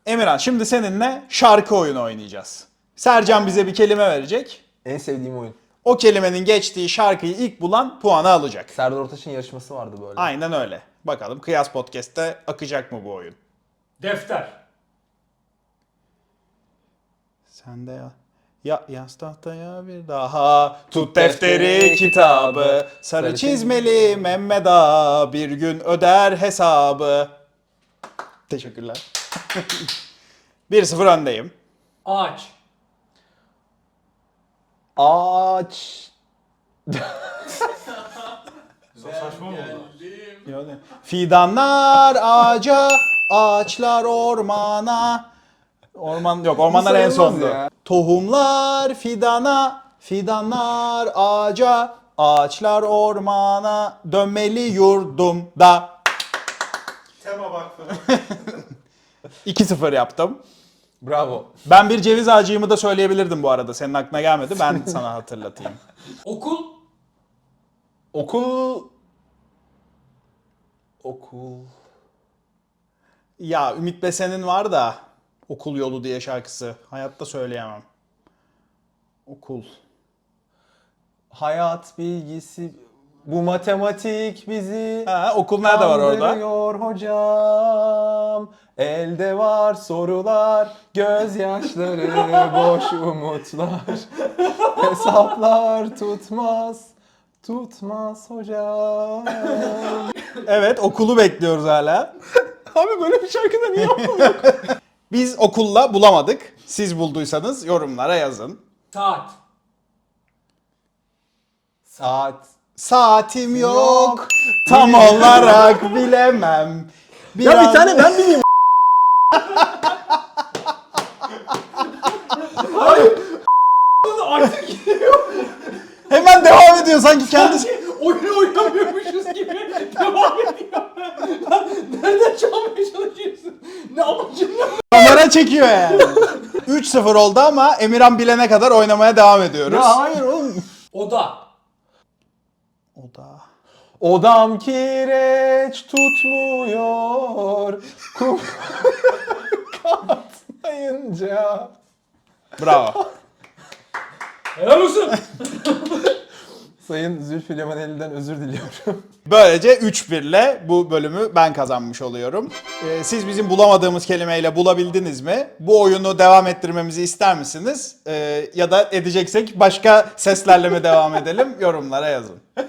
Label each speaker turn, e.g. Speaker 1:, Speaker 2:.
Speaker 1: Emirhan, şimdi seninle şarkı oyunu oynayacağız. Sercan bize bir kelime verecek.
Speaker 2: En sevdiğim oyun.
Speaker 1: O kelimenin geçtiği şarkıyı ilk bulan puanı alacak.
Speaker 2: Serdar Ortaç'ın yarışması vardı böyle.
Speaker 1: Aynen öyle. Bakalım Kıyas Podcast'te akacak mı bu oyun?
Speaker 3: Defter.
Speaker 1: Sen de ya yaz tahtaya bir daha tut defteri kitabı sarı çizmeli Mehmet Ağa bir gün öder hesabı. Teşekkürler. 1-0 öndeyim.
Speaker 3: Ağaç.
Speaker 2: Ağaç.
Speaker 3: Saçma mı oldu?
Speaker 1: Yani, fidanlar ağaca, ağaçlar ormana. Orman yok, ormanlar en
Speaker 2: sayılmaz
Speaker 1: sondu.
Speaker 2: ya.
Speaker 1: Tohumlar fidana, fidanlar ağaca, ağaçlar ormana, dönmeli yurdumda.
Speaker 3: Tema baktım.
Speaker 1: 2-0 yaptım.
Speaker 2: Bravo.
Speaker 1: Ben bir ceviz ağacıyımı da söyleyebilirdim bu arada. Senin aklına gelmedi. Ben sana hatırlatayım.
Speaker 3: Okul.
Speaker 2: Okul. Okul.
Speaker 1: Ya Ümit Besen'in var da Okul Yolu diye şarkısı. Hayatta söyleyemem. Okul.
Speaker 2: Hayat bilgisi. Bu matematik bizi
Speaker 1: Ha, okul nerede var orada?
Speaker 2: kandırıyor hocam. Elde var sorular, gözyaşları, boş umutlar. Hesaplar tutmaz, tutmaz hocam.
Speaker 1: Evet, okulu bekliyoruz hala.
Speaker 2: Abi böyle bir şarkıda niye okul?
Speaker 1: Biz okulla bulamadık. Siz bulduysanız yorumlara yazın.
Speaker 3: Saat.
Speaker 2: Saat.
Speaker 1: Saatim yok, tam olarak bilemem.
Speaker 2: Ya bir tane ben bileyim.
Speaker 3: Artık gidiyor.
Speaker 1: Hemen devam ediyor sanki kendisi.
Speaker 3: Oyunu oynamıyormuşuz gibi devam ediyor. Nereden çalmaya çalışıyorsun? Ne amacın ne?
Speaker 1: Kamera çekiyor yani. 3-0 oldu ama Emirhan bilene kadar oynamaya devam ediyoruz.
Speaker 2: Ya hayır oğlum.
Speaker 3: Oda.
Speaker 1: O da.
Speaker 2: Odam kireç tutmuyor. Kum katlayınca.
Speaker 1: Bravo.
Speaker 3: Helal olsun.
Speaker 2: Sayın Zülfü Livaneli'den özür diliyorum.
Speaker 1: Böylece 3-1 ile bu bölümü ben kazanmış oluyorum. Siz bizim bulamadığımız kelimeyle bulabildiniz mi? Bu oyunu devam ettirmemizi ister misiniz? Ya da edeceksek başka seslerle mi devam edelim? Yorumlara yazın.